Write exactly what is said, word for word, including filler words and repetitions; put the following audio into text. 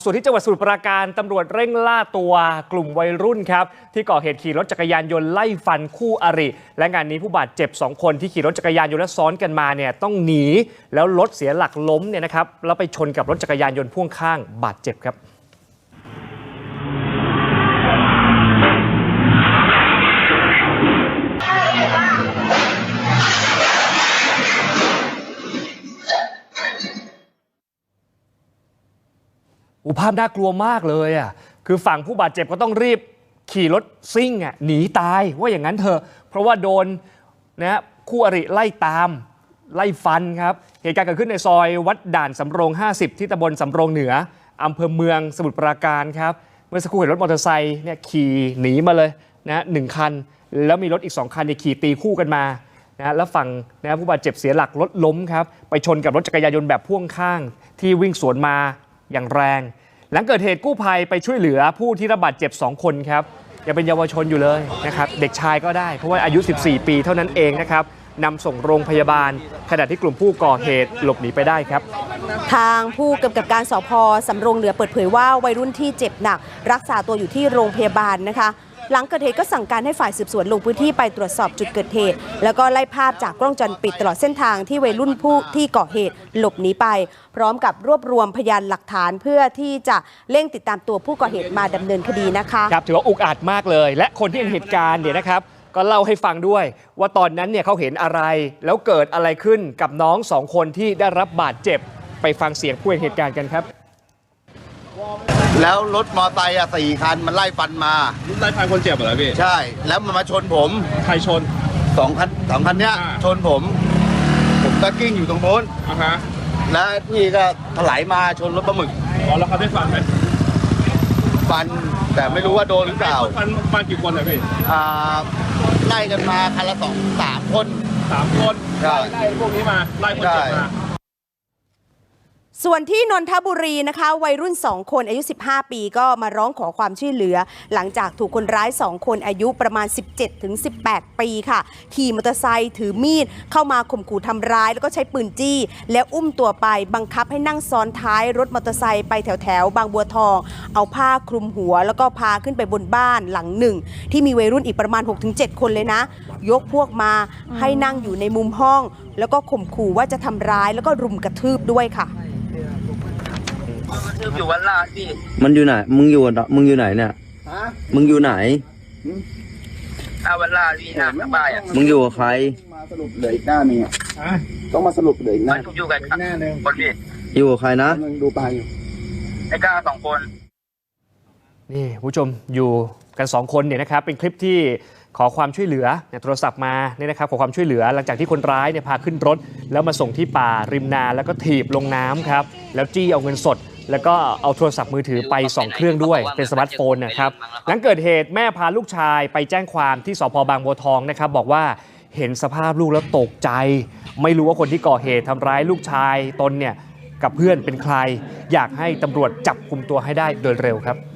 ส่วนที่จังหวัดสมุทรปราการตำรวจเร่งล่าตัวกลุ่มวัยรุ่นครับที่ก่อเหตุขี่รถจักรยานยนต์ไล่ฟันคู่อริและงานนี้ผู้บาดเจ็บสองคนที่ขี่รถจักรยานยนต์และซ้อนกันมาเนี่ยต้องหนีแล้วรถเสียหลักล้มเนี่ยนะครับแล้วไปชนกับรถจักรยานยนต์พ่วงข้างบาดเจ็บครับอุภาพน่ากลัวมากเลยอ่ะคือฝั่งผู้บาดเจ็บก็ต้องรีบขี่รถซิ่งอ่ะหนีตายว่าอย่างนั้นเถอะเพราะว่าโดนนะคู่อริไล่ตามไล่ฟันครับเหตุการณ์เกิดขึ้นในซอยวัดด่านสำโรงห้าสิบที่ตำบลสำโรงเหนืออำเภอเมืองสมุทรปราการครับเมื่อสักครู่เห็นรถมอเตอร์ไซค์เนี่ยขี่หนีมาเลยนะหนึ่งคันแล้วมีรถอีกสองคันเนี่ยขี่ตีคู่กันมานะแล้วฝั่งนะผู้บาดเจ็บเสียหลักรถล้มครับไปชนกับรถจักรยานยนต์แบบพ่วงข้างที่วิ่งสวนมาอย่างแรงหลังเกิดเหตุกู้ภัยไปช่วยเหลือผู้ที่รับบาดเจ็บสองคนครับยังเป็นเยาวชนอยู่เลยนะครับเด็กชายก็ได้เพราะว่าอายุสิบสี่ปีเท่านั้นเองนะครับนำส่งโรงพยาบาลขณะที่กลุ่มผู้ก่อเหตุหลบหนีไปได้ครับทางผู้กำกับการสภ.สำโรงเหนือเปิดเผยว่าวัยรุ่นที่เจ็บหนักรักษาตัวอยู่ที่โรงพยาบาลนะคะหลังเกิดเหตุก็สั่งการให้ฝ่ายสืบสวนลงพื้นที่ไปตรวจสอบจุดเกิดเหตุแล้วก็ไล่ภาพจากกล้องวงจรปิดตลอดเส้นทางที่วัยรุ่นผู้ที่ก่อเหตุหลบหนีไปพร้อมกับรวบรวมพยานหลักฐานเพื่อที่จะเร่งติดตามตัวผู้ก่อเหตุมาดำเนินคดีนะคะครับถือว่าอุกอาจมากเลยและคนที่เห็นเหตุการณ์เนี่ยนะครับก็เล่าให้ฟังด้วยว่าตอนนั้นเนี่ยเขาเห็นอะไรแล้วเกิดอะไรขึ้นกับน้องสองคนที่ได้รับบาดเจ็บไปฟังเสียงผู้เห็นเหตุการณ์กันครับแล้วรถมอไซค์อ่ะสี่คันมันไล่ฟันมาไล่ฟันคนเจ็บเหรอพี่ใช่แล้วมันมาชนผมใครชนสองคันสองคันเนี้ยชนผมผมก็กิ้งอยู่ตรงโน้นอ่าฮะแล้วนี่ก็ถลายมาชนรถปลาหมึกอ๋อแล้วเขาได้ฟันไหมฟันแต่ไม่รู้ว่าโดนหรือเปล่าฟันฟันกี่คนอะพี่อ่าไล่กันมาคันละสองสามคนสามคนไล่ไล่พวกนี้มาไล่คนเจ็บมาส่วนที่นนทบุรีนะคะวัยรุ่นสองคนอายุสิบห้าปีก็มาร้องขอความช่วยเหลือหลังจากถูกคนร้ายสองคนอายุประมาณ สิบเจ็ดถึงสิบแปด ปีค่ะขี่มอเตอร์ไซค์ถือมีดเข้ามาข่มขู่ทำร้ายแล้วก็ใช้ปืนจี้แล้วอุ้มตัวไปบังคับให้นั่งซ้อนท้ายรถมอเตอร์ไซค์ไปแถวแถวบางบัวทองเอาผ้าคลุมหัวแล้วก็พาขึ้นไปบนบ้านหลังหนึ่งที่มีวัยรุ่นอีกประมาณ หกถึงเจ็ด คนเลยนะยกพวกมาให้นั่งอยู่ในมุมห้องแล้วก็ข่มขู่ว่าจะทำร้ายแล้วก็รุมกระทืบด้วยค่ะมันอยู่วันลาพี่มันอยู่ไหนมึงอยู่มึงอยู่ไหนเนี่ยมึงอยู่ไหนอาวันลาพี่หน้าสบายอ่ะมึงอยู่กับใครมาสรุปเหลืออีกหน้านึงต้องมาสรุปเหลืออีกหน้าอยู่กันหน้านึงคนพี่อยู่กับใครนะดูไปอยู่ไอ้ก้าสองคนนี่ผู้ชมอยู่กันสองคนเนี่ยนะครับเป็นคลิปที่ขอความช่วยเหลือเนี่ยโทรศัพท์มาเนี่ยนะครับขอความช่วยเหลือหลังจากที่คนร้ายเนี่ยพาขึ้นรถแล้วมาส่งที่ป่าริมนาแล้วก็ถีบลงน้ำครับแล้วจี้เอาเงินสดแล้วก็เอาโทรศัพท์มือถือไปสองเครื่องด้วยเป็นสมาร์ทโฟนนะครับหลังเกิดเหตุแม่พาลูกชายไปแจ้งความที่สภ.บางบัวทองนะครับบอกว่าเห็นสภาพลูกแล้วตกใจไม่รู้ว่าคนที่ก่อเหตุทำร้ายลูกชายตนเนี่ยกับเพื่อนเป็นใครอยากให้ตำรวจจับกุมตัวให้ได้โดยเร็วครับ